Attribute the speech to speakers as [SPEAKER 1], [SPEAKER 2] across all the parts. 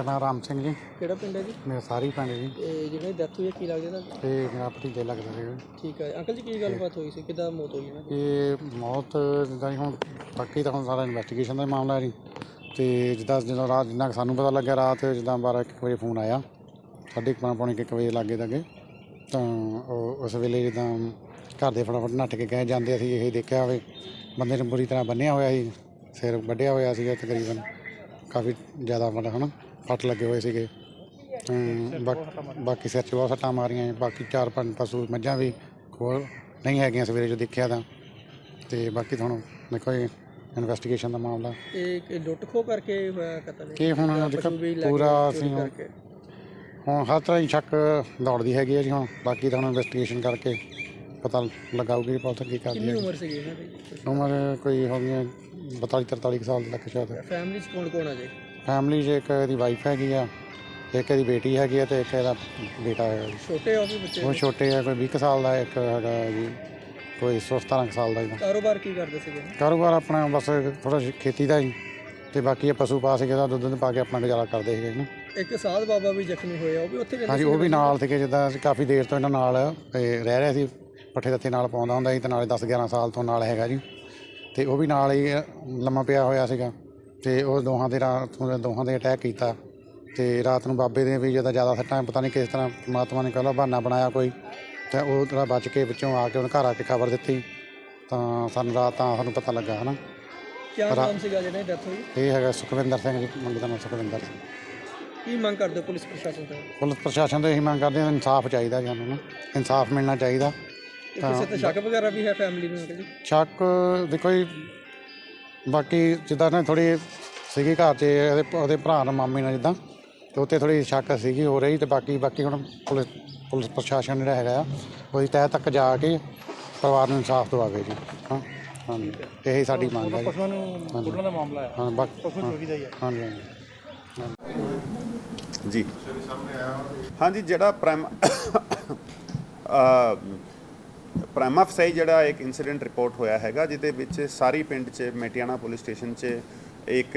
[SPEAKER 1] नाम राम सिंह जी।
[SPEAKER 2] ਕਿਹੜਾ ਪਿੰਡ ਹੈ ਜੀ?
[SPEAKER 1] मेरा सारी पिंड जी।
[SPEAKER 2] ਤੇ ਜਿਹੜੀ ਡੈਥ ਹੋਈ ਹੈ ਕੀ ਲੱਗਦਾ ਤੁਹਾਨੂੰ?
[SPEAKER 1] ਤੇ मेरा भतीजा लगता है।
[SPEAKER 2] ਠੀਕ ਹੈ ਅੰਕਲ ਜੀ, ਕੀ ਗੱਲਬਾਤ ਹੋਈ ਸੀ, ਕਿੱਦਾਂ ਮੌਤ ਹੋਈ ਇਹਨਾਂ ਦੀ?
[SPEAKER 1] ਇਹ ਮੌਤ ਜਿੱਦਾਂ ਜੀ ਹੁਣ ਬਾਕੀ ਤਾਂ ਹੁਣ ਸਾਰਾ ਇਨਵੈਸਟੀਗੇਸ਼ਨ ਦਾ ਮਾਮਲਾ ਹੈ ਜੀ। ਅਤੇ ਜਦੋਂ ਰਾਤ ਜਿੰਨਾ ਕੁ ਸਾਨੂੰ ਪਤਾ ਲੱਗਿਆ ਰਾਤ ਜਿੱਦਾਂ 12-1 ਵਜੇ ਫੋਨ ਆਇਆ, 12:30 ਪੌਣੇ 1 ਵਜੇ ਲਾਗੇ ਤੱਕ, ਤਾਂ ਉਹ ਉਸ ਵੇਲੇ ਜਿੱਦਾਂ ਘਰ ਦੇ ਫਟਾਫਟ ਨੱਠ ਕੇ ਗਏ ਜਾਂਦੇ ਅਸੀਂ ਇਹ ਦੇਖਿਆ ਹੋਵੇ ਬੰਦੇ ਨੂੰ ਬੁਰੀ ਤਰ੍ਹਾਂ ਬੰਨਿਆ ਹੋਇਆ ਸੀ, ਸਿਰ ਵੱਢਿਆ ਹੋਇਆ ਸੀਗਾ ਤਕਰੀਬਨ ਕਾਫੀ ਜ਼ਿਆਦਾ ਮਤਲਬ ਹੈ ਨਾ ਫੱਟ ਲੱਗੇ ਹੋਏ ਸੀਗੇ। ਬਾਕੀ ਸਿਰ 'ਚ ਬਹੁਤ ਸੱਟਾਂ ਮਾਰੀਆਂ। ਬਾਕੀ 4-5 ਪਸ਼ੂ ਮੱਝਾਂ ਵੀ ਕੋਲ ਨਹੀਂ ਹੈਗੀਆਂ ਸਵੇਰੇ ਜੋ ਦੇਖਿਆ ਤਾਂ। ਅਤੇ ਬਾਕੀ ਤੁਹਾਨੂੰ ਦੇਖੋ ਇਹ ਇਨਵੈਸਟੀਗੇਸ਼ਨ ਦਾ ਮਾਮਲਾ
[SPEAKER 2] ਇਹ ਲੁੱਟ ਖੋਹ ਕਰਕੇ ਹੋਇਆ ਕਤਲ?
[SPEAKER 1] ਇਹ ਹੁਣ ਪੂਰਾ ਅਸੀਂ ਹੁਣ ਹਰ ਤਰ੍ਹਾਂ ਹੀ ਸ਼ੱਕ ਦੌੜਦੀ ਹੈਗੀ ਹੈ ਜੀ। ਹੁਣ ਬਾਕੀ ਤਾਂ ਹੁਣ ਇਨਵੈਸਟੀਗੇਸ਼ਨ ਕਰਕੇ ਪਤਾ ਲਗਾਊਗੀ ਪੁਲਿਸ ਕੀ ਕਰਦੀ ਹੈ।
[SPEAKER 2] ਉਮਰ ਸੀਗੀ ਇਹਨਾਂ ਦੀ?
[SPEAKER 1] ਉਮਰ ਕੋਈ ਹੋ ਗਈ 42-43 ਸਾਲ ਤੱਕ ਸ਼ਾਇਦ।
[SPEAKER 2] ਫੈਮਿਲੀ 'ਚ ਕੌਣ ਕੌਣ ਆ ਜੀ?
[SPEAKER 1] ਫੈਮਿਲੀ 'ਚ ਇੱਕ ਇਹਦੀ ਵਾਈਫ ਹੈਗੀ ਆ, ਇੱਕ ਇਹਦੀ ਬੇਟੀ ਹੈਗੀ ਆ, ਅਤੇ ਇੱਕ ਇਹਦਾ ਬੇਟਾ ਹੈਗਾ ਜੀ।
[SPEAKER 2] ਛੋਟੇ ਆ ਉਹ ਵੀ ਬੱਚੇ?
[SPEAKER 1] ਉਹ ਛੋਟੇ ਆ, ਕੋਈ 20 ਸਾਲ ਦਾ, ਇੱਕ ਹੈਗਾ ਜੀ ਕੋਈ 17 ਸਾਲ ਦਾ।
[SPEAKER 2] ਕਾਰੋਬਾਰ ਕੀ ਕਰਦੇ ਸੀਗੇ?
[SPEAKER 1] ਕਾਰੋਬਾਰ ਆਪਣਾ ਬਸ ਥੋੜ੍ਹਾ ਖੇਤੀ ਦਾ ਜੀ, ਅਤੇ ਬਾਕੀ ਇਹ ਪਸ਼ੂ ਪਾ ਸੀਗੇ ਦਾ ਦੁੱਧ ਪਾ ਕੇ ਆਪਣਾ ਗੁਜ਼ਾਰਾ ਕਰਦੇ ਸੀਗੇ ਨਾ।
[SPEAKER 2] ਇੱਕ ਸਾਧ ਬਾਬਾ ਵੀ ਜ਼ਖਮੀ ਹੋਇਆ, ਉਹ ਵੀ ਉੱਥੇ?
[SPEAKER 1] ਹਾਂਜੀ, ਉਹ ਵੀ ਨਾਲ ਸੀਗੇ। ਜਿੱਦਾਂ ਅਸੀਂ ਕਾਫੀ ਦੇਰ ਤੋਂ ਇਹਨਾਂ ਨਾਲ ਰਹਿ ਰਿਹਾ ਸੀ, ਪੱਠੇ ਦੱਥੇ ਨਾਲ ਪਾਉਂਦਾ ਹੁੰਦਾ ਸੀ, ਅਤੇ ਨਾਲੇ 10-11 ਸਾਲ ਤੋਂ ਨਾਲ ਹੈਗਾ ਜੀ। ਅਤੇ ਉਹ ਵੀ ਨਾਲ ਹੀ ਲੰਮਾ ਪਿਆ ਹੋਇਆ ਸੀਗਾ, ਅਤੇ ਉਹ ਦੋਹਾਂ ਦੇ ਅਟੈਕ ਕੀਤਾ। ਅਤੇ ਰਾਤ ਨੂੰ ਬਾਬੇ ਦੇ ਵੀ ਜ਼ਿਆਦਾ ਸੱਟਾਂ, ਪਤਾ ਨਹੀਂ ਕਿਸ ਤਰ੍ਹਾਂ ਪਰਮਾਤਮਾ ਨੇ ਕਹਿ ਬਹਾਨਾ ਬਣਾਇਆ ਕੋਈ, ਅਤੇ ਉਹ ਜਿਹੜਾ ਬਚ ਕੇ ਵਿੱਚੋਂ ਆ ਕੇ ਉਹਨੇ ਘਰ ਆ ਕੇ ਖਬਰ ਦਿੱਤੀ, ਤਾਂ ਸਾਨੂੰ ਰਾਤ ਤਾਂ ਸਾਨੂੰ ਪਤਾ ਲੱਗਾ ਹੈ ਨਾ।
[SPEAKER 2] ਕੀ ਨਾਮ ਸੀਗਾ ਜਿਹੜਾ ਡੈਥ ਹੋਈ?
[SPEAKER 1] ਇਹ ਹੈਗਾ ਸੁਖਵਿੰਦਰ ਸਿੰਘ ਜੀ, ਮੁੰਡੇ ਦਾ ਨਾਮ ਸੁਖਵਿੰਦਰ ਸਿੰਘ।
[SPEAKER 2] ਕੀ ਮੰਗ ਕਰਦੇ ਪੁਲਿਸ ਪ੍ਰਸ਼ਾਸਨ ਤੋਂ?
[SPEAKER 1] ਪੁਲਿਸ ਪ੍ਰਸ਼ਾਸਨ ਤੋਂ ਇਹੀ ਮੰਗ ਕਰਦੇ ਹਾਂ, ਇਨਸਾਫ ਚਾਹੀਦਾ ਸਾਨੂੰ ਨਾ, ਇਨਸਾਫ ਮਿਲਣਾ ਚਾਹੀਦਾ।
[SPEAKER 2] ਕਿਸੇ ਤੇ ਸ਼ੱਕ ਵਗੈਰਾ ਵੀ ਹੈ ਫੈਮਿਲੀ ਨੂੰ ਜੀ?
[SPEAKER 1] ਸ਼ੱਕ ਦੇਖੋ ਜੀ, ਬਾਕੀ ਜਿੱਦਾਂ ਨਾ ਥੋੜ੍ਹੀ ਸੀਗੀ ਘਰ 'ਚ ਉਹਦੇ ਭਰਾ ਨਾਲ ਮਾਮੇ ਨਾਲ ਜਿੱਦਾਂ, ਅਤੇ ਉੱਥੇ ਥੋੜ੍ਹੀ ਸ਼ੱਕ ਸੀਗੀ ਹੋ ਰਹੀ। ਅਤੇ ਬਾਕੀ ਹੁਣ ਪੁਲਿਸ ਪ੍ਰਸ਼ਾਸਨ ਜਿਹੜਾ ਹੈਗਾ ਆ ਉਹਦੀ ਤਹਿ ਤੱਕ ਜਾ ਕੇ ਪਰਿਵਾਰ ਨੂੰ ਇਨਸਾਫ ਦਵਾਵੇ ਜੀ। ਹਾਂ ਹਾਂਜੀ, ਇਹੀ ਸਾਡੀ ਮੰਗ ਹੈ ਜੀ। ਹਾਂ ਹਾਂਜੀ
[SPEAKER 3] ਜੀ ਹਾਂਜੀ, ਜਿਹੜਾ ਪ੍ਰਾਈਮਾ ਫਸਾਈ ਜਿਹੜਾ ਇੱਕ ਇਨਸੀਡੈਂਟ ਰਿਪੋਰਟ ਹੋਇਆ ਹੈਗਾ, ਜਿਹਦੇ ਵਿੱਚ ਸਾਰੀ ਪਿੰਡ 'ਚ ਮੇਟੀਆਣਾ ਪੁਲਿਸ ਸਟੇਸ਼ਨ 'ਚ ਇੱਕ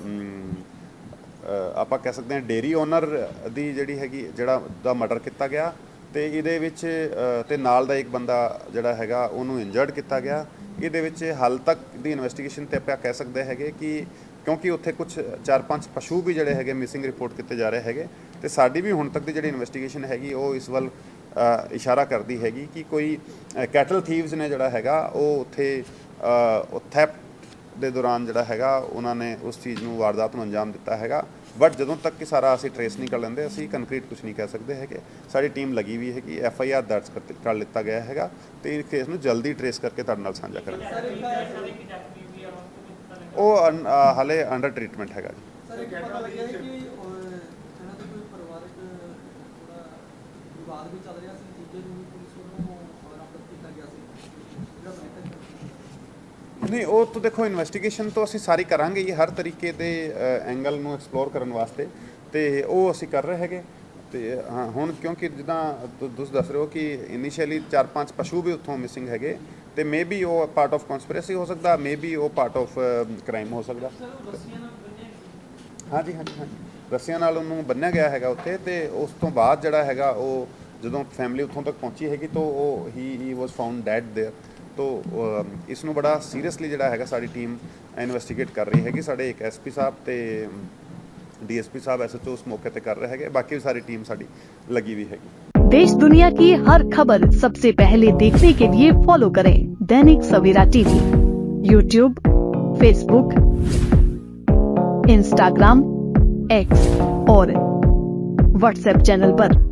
[SPEAKER 3] ਆਪਾਂ ਕਹਿ ਸਕਦੇ ਹਾਂ ਡੇਅਰੀ ਓਨਰ ਦੀ ਜਿਹੜੀ ਹੈਗੀ ਦਾ ਮਰਡਰ ਕੀਤਾ ਗਿਆ, ਅਤੇ ਇਹਦੇ ਵਿੱਚ ਅਤੇ ਨਾਲ ਦਾ ਇੱਕ ਬੰਦਾ ਜਿਹੜਾ ਹੈਗਾ ਉਹਨੂੰ ਇੰਜਰਡ ਕੀਤਾ ਗਿਆ। ਇਹਦੇ ਵਿੱਚ ਹਾਲ ਤੱਕ ਦੀ ਇਨਵੈਸਟੀਗੇਸ਼ਨ 'ਤੇ ਆਪਾਂ ਕਹਿ ਸਕਦੇ ਹੈਗੇ ਕਿ ਕਿਉਂਕਿ ਉੱਥੇ ਕੁਝ 4-5 ਪਸ਼ੂ ਵੀ ਜਿਹੜੇ ਹੈਗੇ ਮਿਸਿੰਗ ਰਿਪੋਰਟ ਕੀਤੇ ਜਾ ਰਹੇ ਹੈਗੇ, ਅਤੇ ਸਾਡੀ ਵੀ ਹੁਣ ਤੱਕ ਦੀ ਜਿਹੜੀ ਇਨਵੈਸਟੀਗੇਸ਼ਨ ਹੈਗੀ ਉਹ ਇਸ ਵੱਲ ਇਸ਼ਾਰਾ ਕਰਦੀ ਹੈਗੀ ਕਿ ਕੋਈ ਕੈਟਲ ਥੀਵਸ ਨੇ ਜਿਹੜਾ ਹੈਗਾ ਉਹ ਉੱਥੇ ਥੈਫਟ ਦੇ ਦੌਰਾਨ ਜਿਹੜਾ ਹੈਗਾ ਉਹਨਾਂ ਨੇ ਉਸ ਚੀਜ਼ ਨੂੰ ਵਾਰਦਾਤ ਨੂੰ ਅੰਜਾਮ ਦਿੱਤਾ ਹੈਗਾ। ਬਟ ਜਦੋਂ ਤੱਕ ਕਿ ਸਾਰਾ ਅਸੀਂ ਟਰੇਸ ਨਹੀਂ ਕਰ ਲੈਂਦੇ ਅਸੀਂ ਕੰਕਰੀਟ ਕੁਝ ਨਹੀਂ ਕਹਿ ਸਕਦੇ ਹੈਗੇ। ਸਾਡੀ ਟੀਮ ਲੱਗੀ ਵੀ ਹੈਗੀ, FIR ਦਰਜ ਕਰ ਲਿੱਤਾ ਗਿਆ ਹੈਗਾ, ਅਤੇ ਇਸ ਕੇਸ ਨੂੰ ਜਲਦੀ ਟਰੇਸ ਕਰਕੇ ਤੁਹਾਡੇ ਨਾਲ ਸਾਂਝਾ ਕਰਾਂਗੇ। ਉਹ ਹਾਲੇ ਅੰਡਰ ਟਰੀਟਮੈਂਟ ਹੈਗਾ ਜੀ। ਨਹੀਂ, ਉਹ ਤਾਂ ਦੇਖੋ ਇਨਵੈਸਟੀਗੇਸ਼ਨ ਤੋਂ ਅਸੀਂ ਸਾਰੀ ਕਰਾਂਗੇ ਹੀ ਹਰ ਤਰੀਕੇ ਦੇ ਐਂਗਲ ਨੂੰ ਐਕਸਪਲੋਰ ਕਰਨ ਵਾਸਤੇ, ਅਤੇ ਉਹ ਅਸੀਂ ਕਰ ਰਹੇ ਹੈਗੇ। ਅਤੇ ਹਾਂ, ਹੁਣ ਕਿਉਂਕਿ ਜਿੱਦਾਂ ਤੁਸੀਂ ਦੱਸ ਰਹੇ ਹੋ ਕਿ ਇਨੀਸ਼ੀਅਲੀ 4-5 ਪਸ਼ੂ ਵੀ ਉੱਥੋਂ ਮਿਸਿੰਗ ਹੈਗੇ, ਅਤੇ ਮੇ ਬੀ ਉਹ ਪਾਰਟ ਆਫ ਕਨਸਪੀਰੇਸੀ ਹੋ ਸਕਦਾ, ਮੇ ਬੀ ਉਹ ਪਾਰਟ ਆਫ ਕ੍ਰਾਈਮ ਹੋ ਸਕਦਾ। ਹਾਂਜੀ, ਰੱਸਿਆਂ ਨਾਲ ਉਹਨੂੰ ਬੰਨ੍ਹਿਆ ਗਿਆ ਹੈਗਾ ਉੱਥੇ, ਅਤੇ ਉਸ ਤੋਂ ਬਾਅਦ ਜਿਹੜਾ ਹੈਗਾ ਉਹ ਜਦੋਂ ਫੈਮਿਲੀ ਉੱਥੋਂ ਤੱਕ ਪਹੁੰਚੀ ਹੈਗੀ ਤਾਂ ਉਹ ਹੀ ਵਾਜ਼ ਫਾਊਂਡ ਡੈਡ ਦੇਅਰ। ਤੋ ਇਸ ਨੂੰ ਬੜਾ ਸੀਰੀਅਸਲੀ ਜਿਹੜਾ ਹੈਗਾ ਸਾਡੀ ਟੀਮ ਇਨਵੈਸਟੀਗੇਟ ਕਰ ਰਹੀ ਹੈਗੀ। ਸਾਡੇ ਇੱਕ SP ਸਾਹਿਬ ਅਤੇ DSP साहब SHO उस मौके पे कर रहे हैं, बाकी सारी टीम साड़ी लगी हुई है।
[SPEAKER 4] देश दुनिया की हर खबर सबसे पहले देखने के लिए फॉलो करें Dainik Savera TV, YouTube, Facebook, Instagram, X और WhatsApp चैनल पर।